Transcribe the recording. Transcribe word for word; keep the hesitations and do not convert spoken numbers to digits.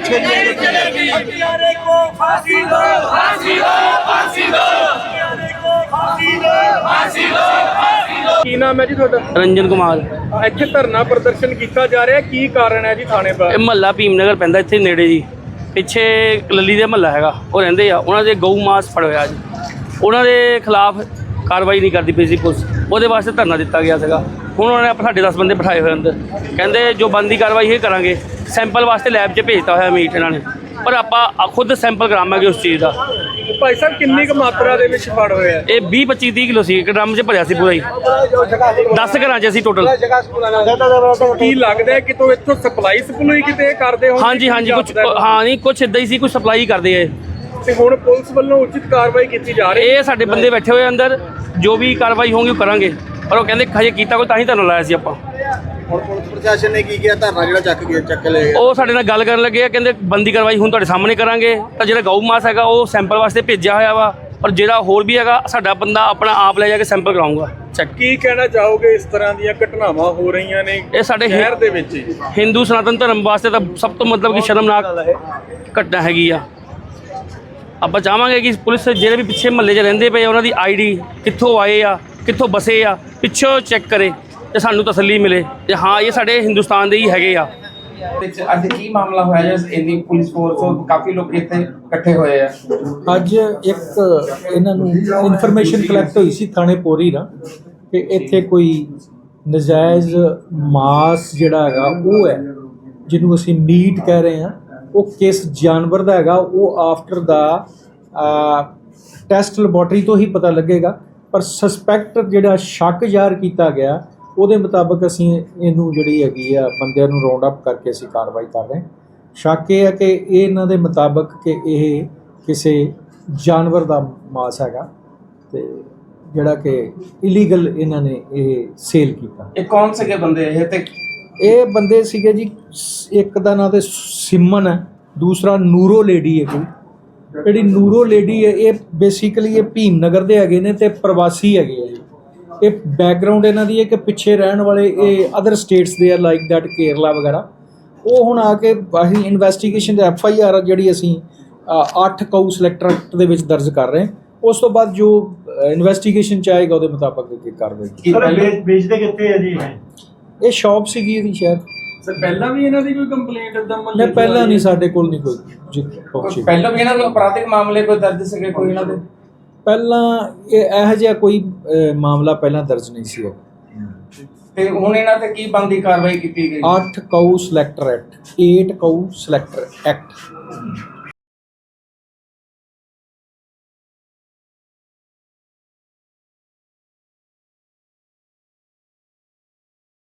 नहीं चलेगी। हत्यारे को फांसी दो, फांसी दो, फांसी दो। हत्यारे को फांसी दो, फांसी दो, फांसी दो। ਕੀ ਨਾਮ ਹੈ ਜੀ ਤੁਹਾਡਾ? ਰੰਜਨ ਕੁਮਾਰ। ਇੱਥੇ ਧਰਨਾ ਪ੍ਰਦਰਸ਼ਨ ਕੀਤਾ ਜਾ ਰਿਹਾ, ਕੀ ਕਾਰਨ ਹੈ ਜੀ ਥਾਣੇ ਪਰ? ਇਹ ਮਹੱਲਾ ਭੀਮਨਗਰ ਪੈਂਦਾ ਇੱਥੇ ਨੇੜੇ ਜੀ, ਪਿੱਛੇ ਲੱਲੀ ਦੇ ਮਹੱਲਾ ਹੈਗਾ, ਉਹ ਰਹਿੰਦੇ ਆ, ਉਹਨਾਂ ਦੇ ਗਊ ਮਾਸ ਫੜ ਹੋਇਆ ਜੀ, ਉਹਨਾਂ ਦੇ ਖਿਲਾਫ ਕਾਰਵਾਈ ਨਹੀਂ ਕਰਦੀ ਪਈ ਸੀ ਪੁਲਿਸ, ਉਹਦੇ ਵਾਸਤੇ ਧਰਨਾ ਦਿੱਤਾ ਗਿਆ ਸੀਗਾ। ਹੁਣ ਉਹਨਾਂ ਨੇ ਸਾਡੇ ਦਸ ਬੰਦੇ ਬਿਠਾਏ ਹੋਏ ਅੰਦਰ, ਕਹਿੰਦੇ ਜੋ ਬਣਦੀ ਕਾਰਵਾਈ ਇਹ ਕਰਾਂਗੇ। ਸੈਂਪਲ ਵਾਸਤੇ ਲੈਬ 'ਚ ਭੇਜਤਾ ਹੋਇਆ ਮੀਟ ਇਹਨਾਂ ਨੇ, ਪਰ ਆਪਾਂ ਖੁਦ ਸੈਂਪਲ ਕਰਾਵਾਂਗੇ ਉਸ ਚੀਜ਼ ਦਾ। ਭਾਈ ਸਾਹਿਬ ਕਿੰਨੀ ਕੁ ਮਾਤਰਾ ਦੇ ਵਿੱਚ ਫੜ ਹੋਇਆ? ਇਹ ਵੀਹ ਪੱਚੀ ਤੀਹ ਕਿਲੋ ਸੀ, ਇੱਕ ਡਰਮ 'ਚ ਭਰਿਆ ਸੀ ਪੂਰਾ ਹੀ, ਦਸ ਘਰਾਂ 'ਚ ਅਸੀਂ ਟੋਟਲ। ਕੀ ਲੱਗਦਾ ਹੈ ਕਿ ਤੋ ਇੱਥੋਂ ਸਪਲਾਈ ਸਪਲਾਈ ਕਿਤੇ ਕਰਦੇ ਹੋ? ਹਾਂਜੀ ਹਾਂਜੀ ਕੁਛ, ਹਾਂ ਨਹੀਂ ਕੁਛ ਇੱਦਾਂ ਹੀ ਸੀ, ਕੁਛ ਸਪਲਾਈ ਕਰਦੇ ਆ। ਤੇ ਹੁਣ ਪੁਲਿਸ ਵੱਲੋਂ ਉਚਿਤ ਕਾਰਵਾਈ ਕੀਤੀ ਜਾ ਰਹੀ ਹੈ? ਇਹ ਸਾਡੇ ਬੰਦੇ ਬੈਠੇ ਹੋਏ ਅੰਦਰ, ਜੋ ਵੀ ਕਾਰਵਾਈ ਹੋਊਗੀ ਉਹ ਕਰਾਂਗੇ, ਪਰ ਉਹ ਕਹਿੰਦੇ ਹਜੇ ਕੀਤਾ ਕੋਈ, ਤਾਂ ਹੀ ਧਰਨਾ ਲਾਇਆ ਸੀ ਆਪਾਂ। ਹੁਣ ਪੁਲਿਸ ਪ੍ਰਸ਼ਾਸਨ ਨੇ ਕੀ ਕੀਤਾ? ਧਰਨਾ ਜਿਹੜਾ ਚੱਕ ਗਿਆ ਚੱਕ ਲਿਆ। ਉਹ ਸਾਡੇ ਨਾਲ ਗੱਲ ਕਰਨ ਲੱਗੇ ਆ, ਕਹਿੰਦੇ ਬੰਦੀ ਕਾਰਵਾਈ ਹੁਣ ਤੁਹਾਡੇ ਸਾਹਮਣੇ ਕਰਾਂਗੇ। ਤਾਂ ਜਿਹੜਾ ਗਊ ਮਾਸ ਹੈਗਾ ਉਹ ਸੈਂਪਲ ਵਾਸਤੇ ਭੇਜਿਆ ਹੋਇਆ ਵਾ, ਪਰ ਜਿਹੜਾ ਹੋਰ ਵੀ ਹੈਗਾ ਸਾਡਾ ਬੰਦਾ ਆਪਣਾ ਆਪ ਲੈ ਜਾ ਕੇ ਸੈਂਪਲ ਕਰਾਊਗਾ ਚੈੱਕ। ਕੀ ਕਹਿਣਾ ਚਾਹੋਗੇ ਇਸ ਤਰ੍ਹਾਂ ਦੀਆਂ ਘਟਨਾਵਾਂ ਹੋ ਰਹੀਆਂ ਨੇ ਇਹ ਸਾਡੇ ਸ਼ਹਿਰ ਦੇ ਵਿੱਚ ਹੀ? ਹਿੰਦੂ ਸਨਾਤਨ ਧਰਮ ਵਾਸਤੇ ਤਾਂ ਸਭ ਤੋਂ ਮਤਲਬ ਕਿ ਸ਼ਰਮਨਾਕ ਘਟਨਾ ਹੈਗੀ ਆ। ਆਪਾਂ ਚਾਹਾਂਗੇ ਕਿ ਪੁਲਿਸ ਜਿਹੜੇ ਵੀ ਪਿੱਛੇ ਮਹੱਲੇ 'ਚ ਰਹਿੰਦੇ ਪਏ ਉਹਨਾਂ ਦੀ ਆਈ ਡੀ ਕਿੱਥੋਂ ਆਏ ਆ, ਕਿੱਥੋਂ ਬਸੇ ਆ, ਪਿੱਛੋਂ ਚੈੱਕ ਕਰੇ ਤੇ ਸਾਨੂੰ ਤਸੱਲੀ ਮਿਲੇ ਤੇ ਹਾਂ ਇਹ ਸਾਡੇ ਹਿੰਦੁਸਤਾਨ ਦੇ ਹੀ ਹੈਗੇ ਆ। ਵਿੱਚ ਅੱਜ ਕੀ ਮਾਮਲਾ ਹੋਇਆ ਜਿਸ ਇੰਨੀ ਪੁਲਿਸ ਫੋਰਸ ਕਾਫੀ ਲੋਕ ਇੱਥੇ ਇਕੱਠੇ ਹੋਏ ਆ? ਅੱਜ ਇੱਕ ਇਹਨਾਂ ਨੂੰ ਇਨਫੋਰਮੇਸ਼ਨ ਕਲੈਕਟ ਹੋਈ ਸੀ ਥਾਣੇ ਪੋਰੀ ਨਾ, ਕਿ ਇੱਥੇ ਕੋਈ ਨਜਾਇਜ਼ ਮਾਸ ਜਿਹੜਾ ਹੈਗਾ ਉਹ ਹੈ, ਜਿਹਨੂੰ ਅਸੀਂ ਮੀਟ ਕਹਿ ਰਹੇ ਹਾਂ, ਉਹ ਕਿਸ ਜਾਨਵਰ ਦਾ ਹੈਗਾ ਉਹ ਆਫਟਰ ਦਾ ਟੈਸਟ ਲੈਬੋਰਟਰੀ ਤੋਂ ਹੀ ਪਤਾ ਲੱਗੇਗਾ। ਪਰ ਸਸਪੈਕਟ ਜਿਹੜਾ ਸ਼ੱਕ ਜ਼ਾਹਰ ਕੀਤਾ ਗਿਆ ਉਹਦੇ ਮੁਤਾਬਕ ਅਸੀਂ ਇਹਨੂੰ ਜਿਹੜੀ ਹੈਗੀ ਆ ਬੰਦਿਆਂ ਨੂੰ ਰਾਉਂਡ ਅਪ ਕਰਕੇ ਅਸੀਂ ਕਾਰਵਾਈ ਕਰ ਰਹੇ ਹਾਂ। ਸ਼ੱਕ ਇਹ ਹੈ ਕਿ ਇਹ ਇਹਨਾਂ ਦੇ ਮੁਤਾਬਕ ਕਿ ਇਹ ਕਿਸੇ ਜਾਨਵਰ ਦਾ ਮਾਸ ਹੈਗਾ ਤੇ ਜਿਹੜਾ ਕਿ ਇਲੀਗਲ ਇਹਨਾਂ ਨੇ ਇਹ ਸੇਲ ਕੀਤਾ। ਇਹ ਕੌਣ ਸੀਗੇ ਬੰਦੇ ਇਹ? ਤੇ ਇਹ ਬੰਦੇ ਸੀਗੇ ਜੀ, ਇੱਕ ਦਾ ਨਾਂ ਤੇ ਸਿਮਨ ਹੈ, ਦੂਸਰਾ ਨੂਰੋ ਲੇਡੀ ਹੈ ਕੋਈ। ਜਿਹੜੀ ਨੂਰੋ ਲੇਡੀ ਹੈ ਇਹ ਬੇਸਿਕਲੀ ਇਹ ਭੀਮਨਗਰ ਦੇ ਹੈਗੇ ਨੇ ਤੇ ਪ੍ਰਵਾਸੀ ਹੈਗੇ ਆ ਜੀ। ਇਹ ਬੈਕਗਰਾਊਂਡ ਇਹਨਾਂ ਦੀ ਹੈ ਕਿ ਪਿੱਛੇ ਰਹਿਣ ਵਾਲੇ ਇਹ ਅਦਰ ਸਟੇਟਸ ਦੇ ਆ ਲਾਈਕ ਦੈਟ ਕੇਰਲਾ ਵਗੈਰਾ। ਉਹ ਹੁਣ ਆ ਕੇ ਅਸੀਂ ਇਨਵੈਸਟੀਗੇਸ਼ਨ ਦੇ ਐਫ ਆਈ ਆਰ ਜਿਹੜੀ ਅਸੀਂ ਅੱਠ ਕਾਊ ਸਿਲੈਕਟਰ ਐਕਟ ਦੇ ਵਿੱਚ ਦਰਜ ਕਰ ਰਹੇ ਹਾਂ। ਉਸ ਤੋਂ ਬਾਅਦ ਜੋ ਇਨਵੈਸਟੀਗੇਸ਼ਨ ਚ ਆਏਗਾ ਉਹਦੇ ਮੁਤਾਬਕ ਅੱਗੇ ਕਾਰਵਾਈ। ਵੇਚਦੇ ਕਿੱਥੇ ਆ ਜੀ? ਇਹ ਸ਼ਾਪ ਸੀਗੀ ਇਹਦੀ ਸ਼ਾਇਦ। ਸਰ ਪਹਿਲਾਂ ਵੀ ਇਹਨਾਂ ਦੀ ਕੋਈ ਕੰਪਲੇਂਟ ਇਦਾਂ ਨਹੀਂ, ਪਹਿਲਾਂ ਨਹੀਂ, ਸਾਡੇ ਕੋਲ ਨਹੀਂ ਕੋਈ ਜੀ। ਪਹਿਲਾਂ ਵੀ ਇਹਨਾਂ ਨੂੰ ਅਪਰਾਧਿਕ ਮਾਮਲੇ ਕੋਈ ਦਰਜ ਸੀਗੇ ਕੋਈ ਇਹਨਾਂ ਦੇ? ਪਹਿਲਾਂ ਇਹ ਇਹੋ ਜਿਹਾ ਕੋਈ ਮਾਮਲਾ ਪਹਿਲਾਂ ਦਰਜ ਨਹੀਂ ਸੀ। ਤੇ ਹੁਣ ਇਹਨਾਂ ਤੇ ਕੀ ਬਣਦੀ ਕਾਰਵਾਈ ਕੀਤੀ ਗਈ? ਅੱਠ ਕਾਊ ਸਿਲੈਕਟਰ ਐਕਟ, ਅੱਠ ਕਾਊ ਸਿਲੈਕਟਰ ਐਕਟ